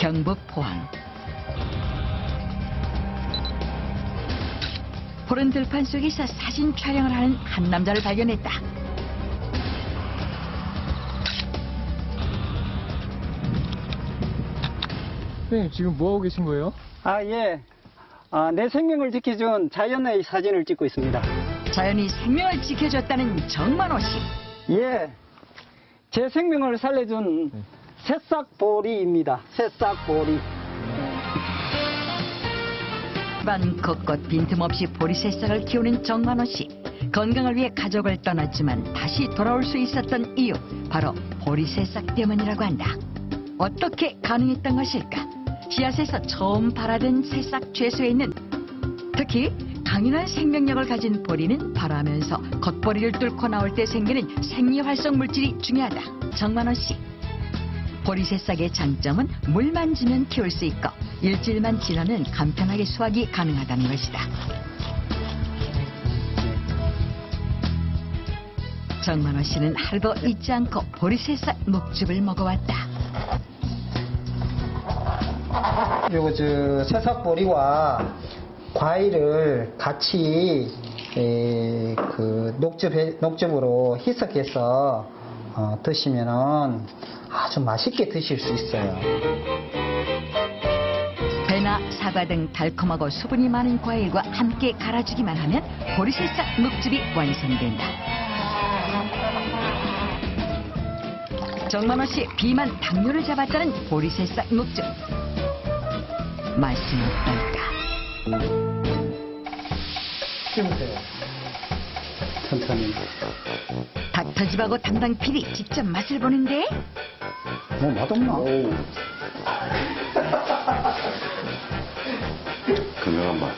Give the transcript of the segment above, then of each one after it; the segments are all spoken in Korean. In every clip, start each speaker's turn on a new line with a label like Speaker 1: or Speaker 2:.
Speaker 1: 경북 포항. 푸른 들판 속에서 사진 촬영을 하는 한 남자를 발견했다.
Speaker 2: 선생님 지금 뭐 하고 계신 거예요?
Speaker 3: 예. 내 생명을 지켜준 자연의 사진을 찍고 있습니다.
Speaker 1: 자연이 생명을 지켜줬다는 정만호 씨.
Speaker 3: 예. 제 생명을 살려준 새싹보리입니다. 새싹보리.
Speaker 1: 집안 곳곳 빈틈없이 보리새싹을 키우는 정만호 씨. 건강을 위해 가족을 떠났지만 다시 돌아올 수 있었던 이유, 바로 보리새싹 때문이라고 한다. 어떻게 가능했던 것일까? 씨앗에서 처음 발아든 새싹 죄수에 있는, 특히 강인한 생명력을 가진 보리는 발아하면서 겉보리를 뚫고 나올 때 생기는 생리활성 물질이 중요하다. 정만호 씨. 보리새싹의 장점은 물만 주면 키울 수 있고 일주일만 지나면 간편하게 수확이 가능하다는 것이다. 정만호 씨는 하루도 잊지 않고 보리새싹 묵즙을 먹어왔다.
Speaker 4: 요거 새싹보리와 과일을 같이 그 녹즙으로 희석해서 드시면은 아주 맛있게 드실 수 있어요.
Speaker 1: 배나 사과 등 달콤하고 수분이 많은 과일과 함께 갈아주기만 하면 보리새싹 묵즙이 완성된다. 정만호 씨 비만 당뇨를 잡았다는 보리새싹 묵즙. 맛은 어떨까?
Speaker 4: 씹으세요.
Speaker 3: 천천히.
Speaker 1: 닥터집하고 담당 PD 직접 맛을 보는데
Speaker 3: 뭐 맛없나?
Speaker 5: 건강한 맛.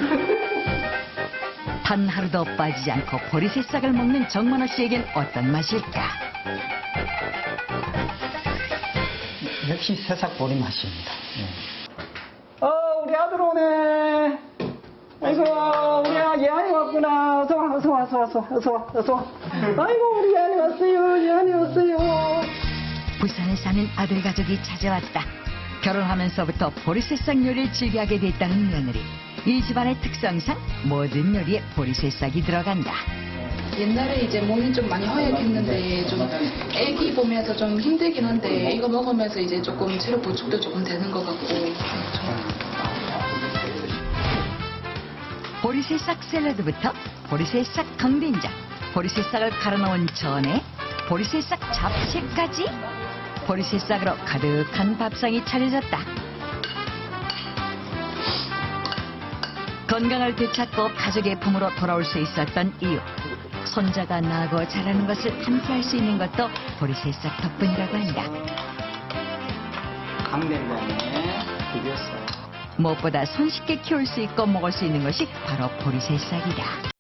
Speaker 1: 단 하루도 빠지지 않고 보리새싹을 먹는 정만호 씨에겐 어떤 맛일까?
Speaker 4: 역시 새싹보리 맛입니다.
Speaker 3: 우리 아들 오네. 아이고, 우리 예안이 왔구나. 어서 와. 아이고, 우리 예안이 왔어요. 예안이 왔어요.
Speaker 1: 부산에 사는 아들 가족이 찾아왔다. 결혼하면서부터 보리새싹 요리를 즐겨하게 됐다는 며느리. 이 집안의 특성상 모든 요리에 보리새싹이 들어간다.
Speaker 6: 옛날에 이제 몸이 좀 많이 허약했는데 좀 애기 보면서 좀 힘들긴 한데 이거 먹으면서 이제 조금 체력 보충도 조금 되는 것 같고.
Speaker 1: 보리새싹 샐러드부터 보리새싹 강된장, 보리새싹을 갈아 넣은 전에 보리새싹 잡채까지 보리새싹으로 가득한 밥상이 차려졌다. 건강을 되찾고 가족의 품으로 돌아올 수 있었던 이유. 손자가 나고 자라는 것을 함께 할 수 있는 것도 보리새싹 덕분이라고 한다.
Speaker 4: 강된장에 비벼서.
Speaker 1: 무엇보다 손쉽게 키울 수 있고 먹을 수 있는 것이 바로 보리새싹이다.